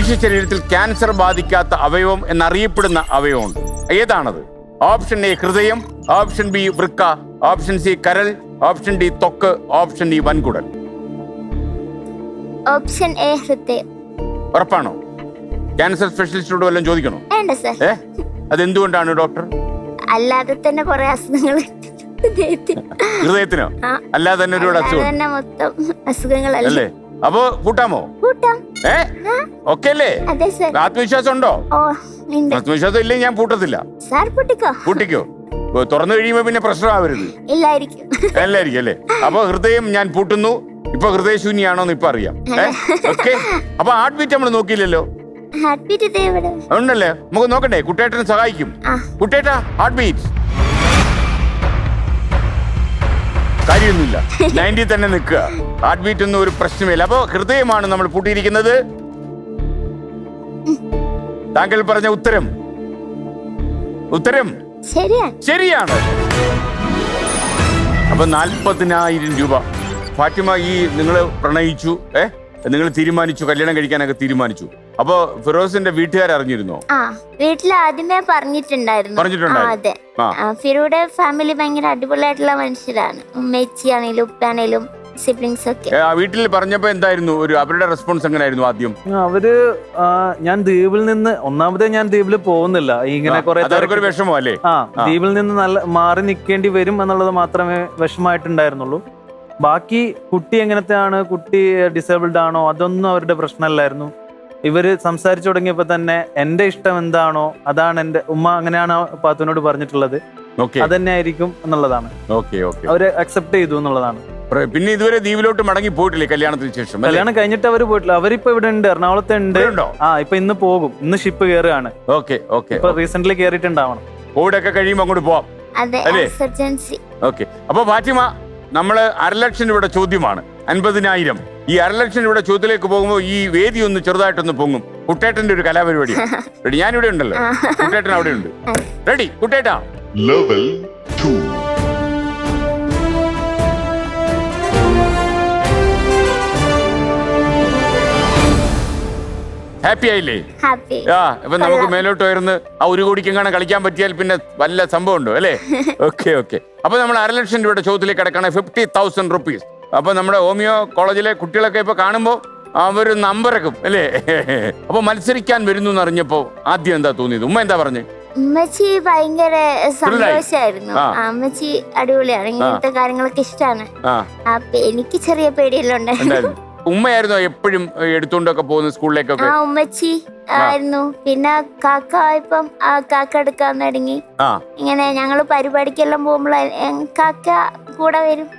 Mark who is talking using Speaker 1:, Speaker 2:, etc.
Speaker 1: മനുഷ്യ ശരീരത്തിൽ ക്യാൻസർ ബാധിക്കാത്ത അവയവം എന്നറിയപ്പെടുന്ന അവയവമുണ്ട്. ഏതാണത്? ഓപ്ഷൻ എ ഹൃദയം, ഓപ്ഷൻ ബി വൃക്ക, ഓപ്ഷൻ സി കരൾ, ഓപ്ഷൻ ഡി ത്വക്ക്, ഓപ്ഷൻ ഡി വൻകുടൽ.
Speaker 2: ഓപ്ഷൻ എ ഹൃദയം.
Speaker 1: ഉറപ്പാണോ? ക്യാൻസർ സ്പെഷ്യലിസ്റ്റോട് വല്ലതും ചോദിക്കണോ?
Speaker 2: വേണ്ട സർ.
Speaker 1: അതെന്തുകൊണ്ടാണ് ഡോക്ടർ?
Speaker 2: അല്ലാതെ തന്നെ കുറെ അസുഖങ്ങൾ
Speaker 1: ഹൃദയത്തിനോ? അല്ലാതെ തന്നെ ഒരുപാട് അസുഖം
Speaker 2: മൊത്തം അസുഖങ്ങളല്ലേ.
Speaker 1: അപ്പൊ കൂട്ടാമോ? ഓക്കെ അല്ലേ? ആത്മവിശ്വാസം ഉണ്ടോ? ആത്മവിശ്വാസം ഇല്ലേ ഞാൻ പൂട്ടത്തില്ല. പൂട്ടിക്കോ? തുറന്നു കഴിയുമ്പോ പിന്നെ പ്രശ്നമാവരുത്. എല്ലായിരിക്കും അല്ലേ? അപ്പൊ ഹൃദയം ഞാൻ പൂട്ടുന്നു. ഇപ്പൊ ഹൃദയശൂന്യാണോന്ന് ഇപ്പൊ അറിയാം. ഓക്കെ. അപ്പൊ ഹാർട്ട് ബീറ്റ് നമ്മൾ നോക്കിയില്ലല്ലോ. ഉണ്ടല്ലേ? നമുക്ക് നോക്കണ്ടേ? കുട്ടേട്ടൻ സഹായിക്കും. കുട്ടേട്ടാ ഹാർട്ട് ബീറ്റ്. കാര്യമൊന്നുമില്ല, 90 തന്നെ നിൽക്കുക. ഹാർട്ട് ബീറ്റ് ഒന്നും ഒരു പ്രശ്നമില്ല. അപ്പൊ ഹൃദയമാണ് നമ്മൾ പൂട്ടിയിരിക്കുന്നത്. താങ്കൾ പറഞ്ഞ ഉത്തരം ശരിയാണ്. അപ്പൊ 40,000 രൂപ. ഫാത്തിമ, ഈ നിങ്ങള് പ്രണയിച്ചു, നിങ്ങൾ തീരുമാനിച്ചു, കല്യാണം കഴിക്കാനൊക്കെ തീരുമാനിച്ചു. അപ്പൊ ഫിറോസിന്റെ വീട്ടുകാർ അറിഞ്ഞിരുന്നോ?
Speaker 2: വീട്ടിൽ ആദ്യമേ പറഞ്ഞിട്ടുണ്ടായിരുന്നു. അതെ, ഫിറോയുടെ ഫാമിലി ഭയങ്കര അടിപൊളിയായിട്ടുള്ള മനുഷ്യരാണ്. ഉമ്മച്ചിയാണേലും ഉപ്പാണേലും സിബ്ലിങ്സ് ഒക്കെ.
Speaker 1: വീട്ടിൽ പറഞ്ഞപ്പോ എന്തായിരുന്നു അവരുടെ റെസ്പോൺസ് എങ്ങനെയായിരുന്നു ആദ്യം?
Speaker 3: അവര് ഞാൻ ദ്വീപിൽ നിന്ന് ഞാൻ ദ്വീപിൽ പോകുന്നില്ല, ഇങ്ങനെ കുറെ
Speaker 1: വിഷമോ അല്ലേ?
Speaker 3: ദ്വീപിൽ നിന്ന് നല്ല മാറി നിൽക്കേണ്ടി വരും എന്നുള്ളത് മാത്രമേ വിഷമായിട്ടുണ്ടായിരുന്നുള്ളൂ. ബാക്കി കുട്ടി എങ്ങനത്തെയാണ്, കുട്ടി ഡിസേബിൾഡ് ആണോ, അതൊന്നും അവരുടെ പ്രശ്നമല്ലായിരുന്നു. ഇവര് സംസാരിച്ചു തുടങ്ങിയപ്പോ തന്നെ എന്റെ ഇഷ്ടം എന്താണോ അതാണ് എന്റെ ഉമ്മ, അങ്ങനെയാണ് പാത്തുവിനോട് പറഞ്ഞിട്ടുള്ളത്. അതന്നെ ആയിരിക്കും എന്നുള്ളതാണ്. അവര് അക്സെപ്റ്റ് ചെയ്തു എന്നുള്ളതാണ്.
Speaker 1: പിന്നെ ഇതുവരെ ദ്വീപിലോട്ട് മടങ്ങി പോയിട്ടില്ലേ കല്യാണത്തിന് ശേഷം?
Speaker 3: കല്യാണം കഴിഞ്ഞിട്ട് അവര് പോയിട്ടില്ല. അവരിപ്പോ ഇവിടെ ഉണ്ട്, എറണാകുളത്ത് ഉണ്ട്. ഇപ്പൊ ഇന്ന് പോകും. ഇന്ന് ഷിപ്പ് കയറുകയാണ്. ഇപ്പൊ റീസെന്റ് കയറിയിട്ടുണ്ടാവണം.
Speaker 1: കോവിഡൊക്കെ കഴിയുമ്പോ അങ്ങോട്ട് പോവാം. അപ്പൊ ഫാത്തിമ, നമ്മള് 1,00,000 രൂപയുടെ ചോദ്യമാണ്. 50,000. ഈ 1,00,000 രൂപയുടെ ചോദ്യത്തിലേക്ക് പോകുമ്പോൾ ഈ വേദി ഒന്ന് ചെറുതായിട്ടൊന്ന് പൊങ്ങും. കുട്ടേട്ടന്റെ ഒരു കലാപരിപാടി. റെഡി? ഞാനിവിടെ ഉണ്ടല്ലോ, കുട്ടേട്ടൻ അവിടെ ഉണ്ട്. റെഡി കുട്ടേട്ടാ? ലെവൽ 2. ഹാപ്പി ആയില്ലേ? ഇപ്പൊ നമുക്ക് മേലോട്ട് ഉയർന്ന് ആ 1 കോടിക്കെങ്ങാനും കളിക്കാൻ പറ്റിയാൽ പിന്നെ വല്ല സംഭവം ഉണ്ടോ അല്ലേ? ഓക്കെ. അപ്പൊ നമ്മൾ 1,00,000 രൂപയുടെ ചോദ്യത്തിലേക്ക് കിടക്കാണ്. 50,000 റുപ്പീസ്. അപ്പൊ നമ്മുടെ ഹോമിയോ കോളേജിലെ കുട്ടികളൊക്കെ ഇപ്പൊ കാണുമ്പോ അവര് നമ്പറക്കും അല്ലേ? അപ്പൊ മത്സരിക്കാൻ വരുന്നു എന്ന് അറിഞ്ഞപ്പോ ആദ്യം എന്താ തോന്നിയത്? ഉമ്മ എന്താ പറഞ്ഞു?
Speaker 2: ഉമ്മച്ചി ഭയങ്കര സന്തോഷായിരുന്നു. അമ്മച്ചി അടിപൊളിയാണ്, ഇങ്ങനത്തെ കാര്യങ്ങളൊക്കെ ഇഷ്ടമാണ്. അപ്പൊ എനിക്ക് ചെറിയ പേടിയെല്ലാം ഉണ്ടായിരുന്നു.
Speaker 1: ഉമ്മയായിരുന്നു എപ്പോഴും എടുത്തോണ്ടൊക്കെ പോകുന്നത് സ്കൂളിലേക്കൊക്കെ?
Speaker 2: ഉമ്മച്ചി ആയിരുന്നു. പിന്നെ കാക്ക ഇപ്പം കാക്ക എടുക്കാൻ തുടങ്ങി. ഇങ്ങനെ ഞങ്ങള് പരിപാടിക്കെല്ലാം പോകുമ്പോൾ കാക്ക കൂടെ വരും.